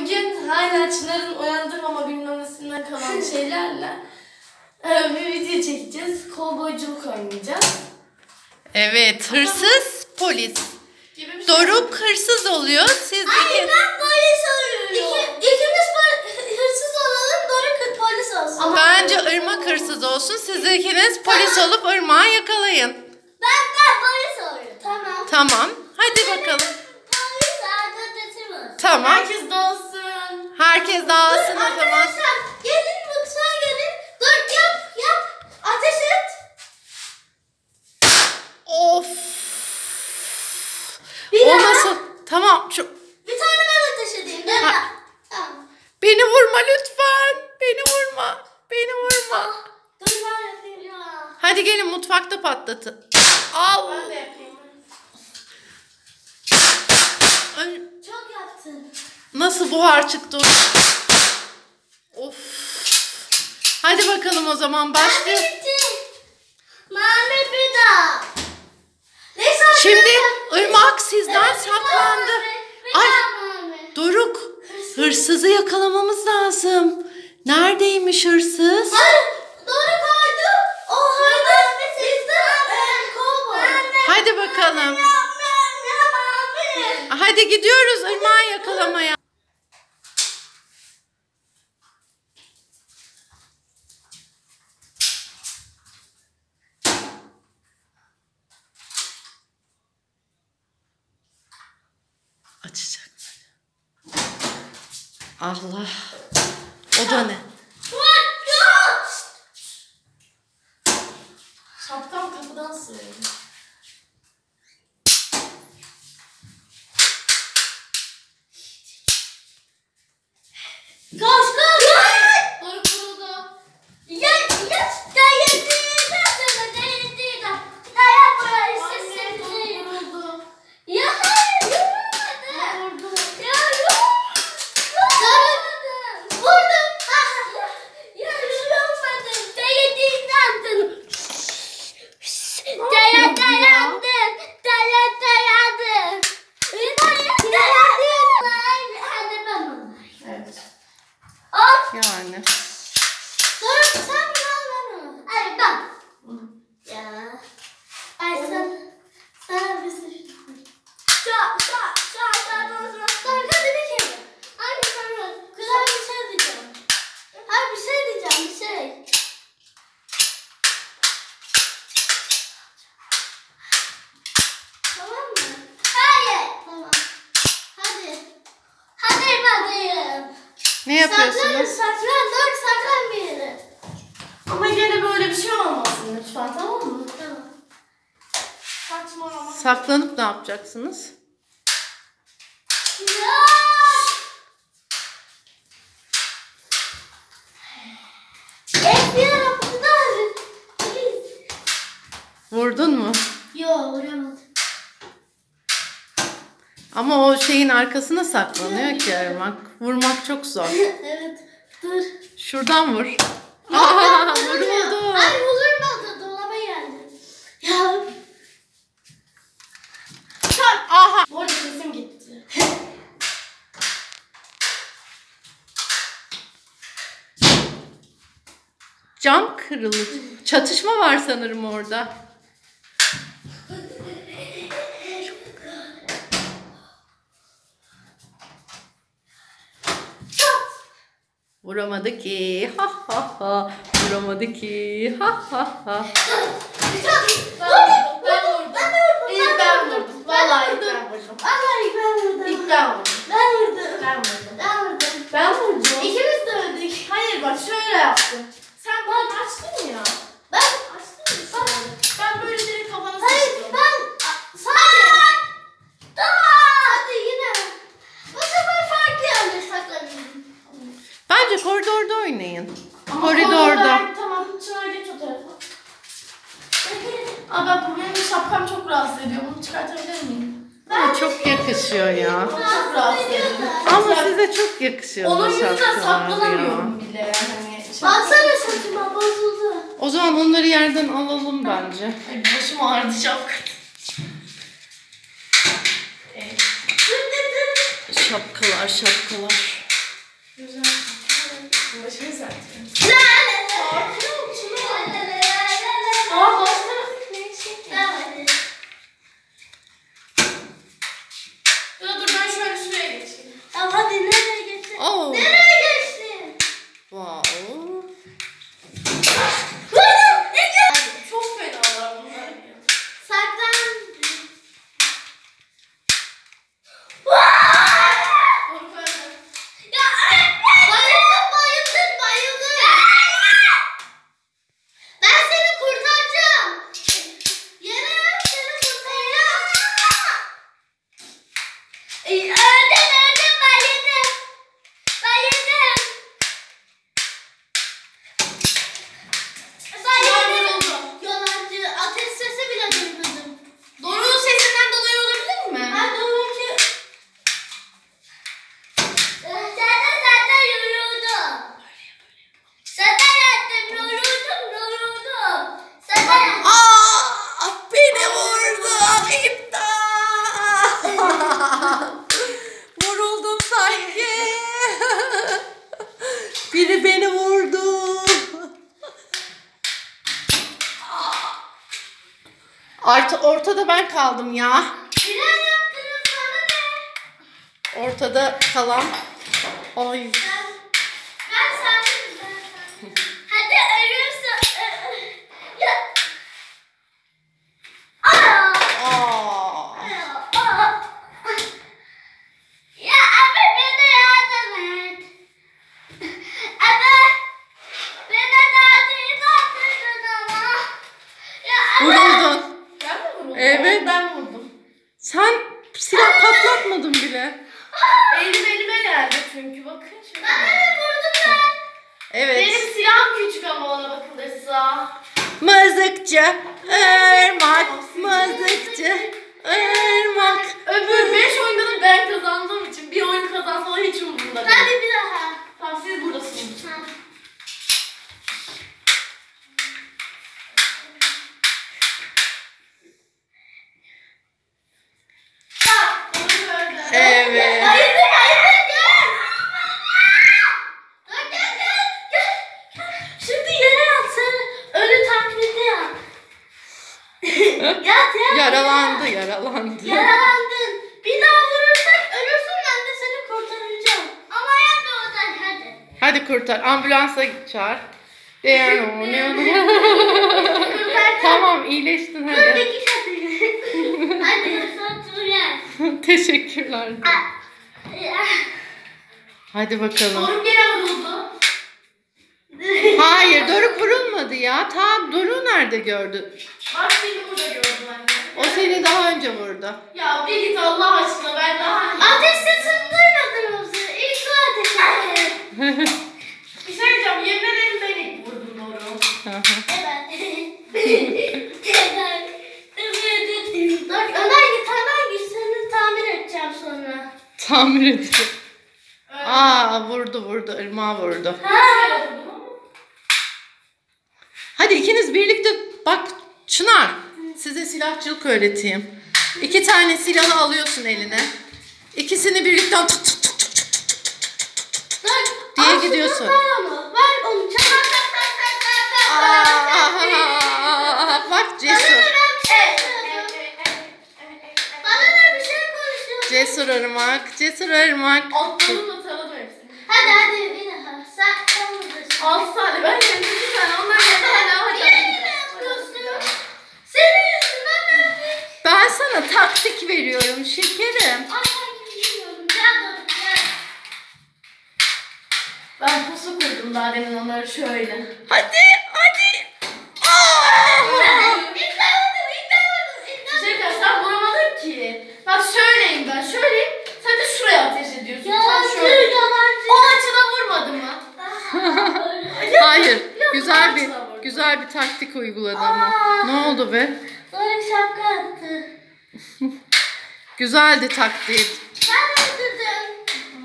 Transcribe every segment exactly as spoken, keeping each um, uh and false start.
Bugün hala Çınar'ın uyandırmama bilmem nesinden kalan şeylerle e, bir video çekeceğiz. Kovboyculuk oynayacağız. Evet, hırsız polis. Şey Doruk hırsız oluyor. Siz Hayır, iki... ben polis oluyorum. İki, ikimiz hırsız olalım, Doruk polis olsun. Ama bence Irmak hırsız olsun. Siz ikiniz polis olup Irmak'ı yakalayın. Ben ben polis oluyorum. Tamam. Tamam. Hadi bakalım. Polis adetesi var. Tamam. Herkes dağılsın. Herkes dağılsın o zaman. Arkadaşlar gelin mutfağa gelin. Dur yap yap. Ateş et. Of. Bir O daha. nasıl? Tamam. Şu... Bir tane ben ateş edeyim. Ben Ha. de. Tamam. Beni vurma lütfen. Beni vurma. Beni vurma. Ah, dur ben yapayım ya. Hadi gelin mutfakta patlatın. Al. Ben de yapayım. Ay, Çok yaptın. nasıl buhar çıktı? Of. Hadi bakalım o zaman başlıyor. Bitti. Mami bir daha. Neyse, Şimdi arkadaşlar. Irmak sizden Evet, saklandı. Bir Ay daha Mami. Doruk, hırsızı yakalamamız lazım. Neredeymiş hırsız? Hayır, doğru kaydı. O haydı. Siz de kovboy. Hadi bakalım. Hadi gidiyoruz Irmak'ı yakalamaya. Açacak. Allah. O da ne? Şapkam kapıdan sığıyor. Koş koş. Doruk vuruldu. Ya ya dayandığı sana dayandığı da dayan buraya Anne sesini Doruk vuruldu. ya hayır yorulmadı. Vurdu. Ya yorulmadı. Vurdum. Ya yorulmadım. Dayandığı Dayan dayandım. Dayan dayandım. Dayan dayandım. Hadi ben Evet. Of. Yani. Doruk sen mi aldın? Hayır ben. Ya. Ay sen. Sana bir sürü. Şa şa şa şa şa. Doruk hadi bir kere. Hadi sana. Güzel bir şey diyeceğim. Hayır bir şey diyeceğim bir şey. Tamam mı? Hayır. Tamam. Hadi. Hadi bakayım. Ne Saklan, yapıyorsunuz? saklan, dur, saklan bir yere. Ama yine böyle bir şey olmasın lütfen, tamam mı? Tamam. Saçmalama. Saklanıp ne yapacaksınız? Ya! F B I rapporlar. Vurdun mu? Yo, vuramadım. Ama o şeyin arkasına saklanıyor ki Irmak. Vurmak çok zor. Evet, dur. Şuradan vur. Aa, vuruldu. Ay vurmadı, dolaba geldi. Ya. Aha. Bu arada sesim gitti. Cam kırıldı. Çatışma var sanırım orada. Vuramadı ki. Ha ha ha. Vuramadı ki. Ha ha ha. Ben vurdum. Ben vurdum. İlk ben vurdum. Vallahi ilk ben vurdum. Vallahi ben vurdum. İlk ben vurdum. Ben vurdum. Ben vurdum. Ben vurdum. Ben vurdum. İkimiz de öldük. Hayır bak şöyle yaptım. Sen bana açtın ya. Ben Açtın mı şöyle? Ben böyle direkt kafana Hayır sıçtım. ben sadece tamam hadi yine bu sefer farklı yerlere saklanayım. Bence koridorda oynayın. Ama Koridorda. koridorda- Tamam Çınar geç o tarafa. Aa ben bu benim şapkam çok rahatsız ediyor. Bunu çıkartabilir miyim? Ama çok yakışıyor ya. Bana çok rahatsız ediyor. Ama size çok yakışıyor Onun bu yüzünden şapkalar ya. saklanamıyorum bile yani. Baksana saçıma bozuldu. O zaman onları yerden alalım bence. Ay başım ağrıdı şapka. Evet. Şapkalar şapkalar. Öldüm öldüm ben yedim. Ben yedim. Ben yedim. Yalancı. Ateş sesi bile duymadım. Doruk'un sesinden dolayı olabilir mi? Ben doğru ki... Zaten zaten yoruldu. Zaten yattım yoruldum yoruldum. Zaten yattım. Aa, beni vurdu. İmdat. Vuruldum sanki. Biri beni vurdu. Artık ortada ben kaldım ya. Neler yaptınız bana ne? Ortada kalan. Ay. Ben, ben sandım ben sandım. Hadi ölürse... Ya. Aa. Aa. Aa. Ya abi bana yardım et. Abi bana daha değil attırdın ama. Ya abi. Vuruldun. Ben mi vurdum? Evet. Ben vurdum. Sen silah patlatmadın bile. Elim elime geldi çünkü bakın şimdi. Bana ne vurdun ben? Evet. Benim silahım küçük ama ona bakılırsa. Mızıkçı, ırmak, mızıkçı, ırmak. Öbür beş oyunda da ben kazandığım için bir oyun kazansalar hiç umurumda değil. Hadi bir daha. Tamam siz buradasınız. Bak, bunu gördüm. Evet. Hayır dur hayır dur gel. Dur gel gel gel. Şimdi yere yat sen. Ölü taklidi yap. Yat yat. Yaralandı, yaralandı. Yaralandın. Bir daha vurursak ölürsün ben de seni kurtaracağım. Ama yapma oradan hadi. Hadi kurtar, ambulansa çağır. Tamam, iyileştin Dur hadi. dikiş atayım. Hadi sen dur gel. Teşekkürler. Hadi bakalım. Doruk gene vuruldu. Hayır, Doruk vurulmadı ya. Ta Doruk nerede gördü? Bak seni burada gördüm anne. O seni daha önce vurdu. Ya bir git Allah aşkına ben daha... Ateş sesini duymadın mı? İlk o ateş etti. Bir şey diyeceğim yemin ederim ben ilk vurdum Doruk. Evet. Dur Ömer git hemen git seni tamir edeceğim sonra. Tamir ediyor. Aa, vurdu vurdu, ırmağa vurdu. Ha. Hadi ikiniz birlikte bak Çınar, size silahçılık öğreteyim. İki tane silahı alıyorsun eline. İkisini birlikte tık tık tık tık tık tık tık Dur. diye al şunu, gidiyorsun. Ver onu. Ver onu. Çak tak tak tak tak tak. Aa, bak cesur. Bana ne bir şey konuşuyorsun. Cesur ırmak, cesur ırmak. Atladım da tanıdım hepsini. Hadi hadi bir daha. Sen sen buradasın. Altı tane ben yedim iki tane onlar yedi tane hadi. Yine mi yapıyorsun? Senin yüzünden öldük. Ben sana taktik veriyorum şekerim. Ay ben gidiyorum. Gel dur gel. Ben pusu kurdum daha demin onları şöyle. Hadi, hadi. Aa! İlk ben vurdum. İlk ben vurdum. İlk ben Şey diyeceğim, sen vuramadın ki. Bak şöyleyim ben şöyleyim. Sen de şuraya ateş ediyorsun. Yalancı, Sen şöyle. yalancı. O açıda vurmadı mı? Hayır, Yok, güzel bir ağaçla vurdu. güzel bir taktik uyguladı ama. Aa. Ne oldu be? Sonra şapka attı. Güzeldi taktiği. Ben öldürdüm.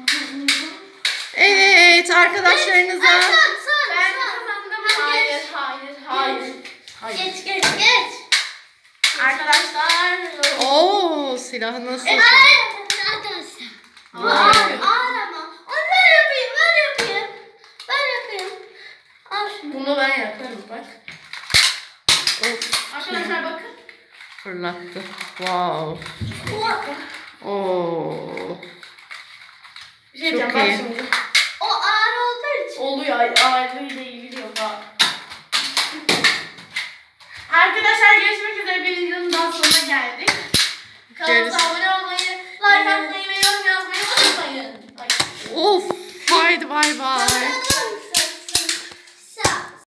Evet, arkadaşlarınıza. Ay, son, son, Ben son. kazandım. Hadi Hayır, geç. hayır, hayır. Hayır. Geç geç geç. Arkadaşlar. Oo, silahı nasıl? E, hayır. Arkadaşlar. Ama Vay. yapıyorum. Ağlama. Onu ben yapayım, ben yapayım. Ben yapayım. Al şunu. Bunu ben yaparım bak. Of, Arkadaşlar bakın. fırlattı. Wow. O, Oo. Bir şey diyeceğim Çok bak iyi. şimdi. o ağır olduğu için. Oluyor ağırlığıyla ilgili yok ha. Arkadaşlar görüşmek üzere bir videonun daha sonuna geldik. Kanalımıza Görüş- abone olmayı, like atmayı ve yorum yazmayı unutmayın. Ay. Of, haydi bay bay. Bana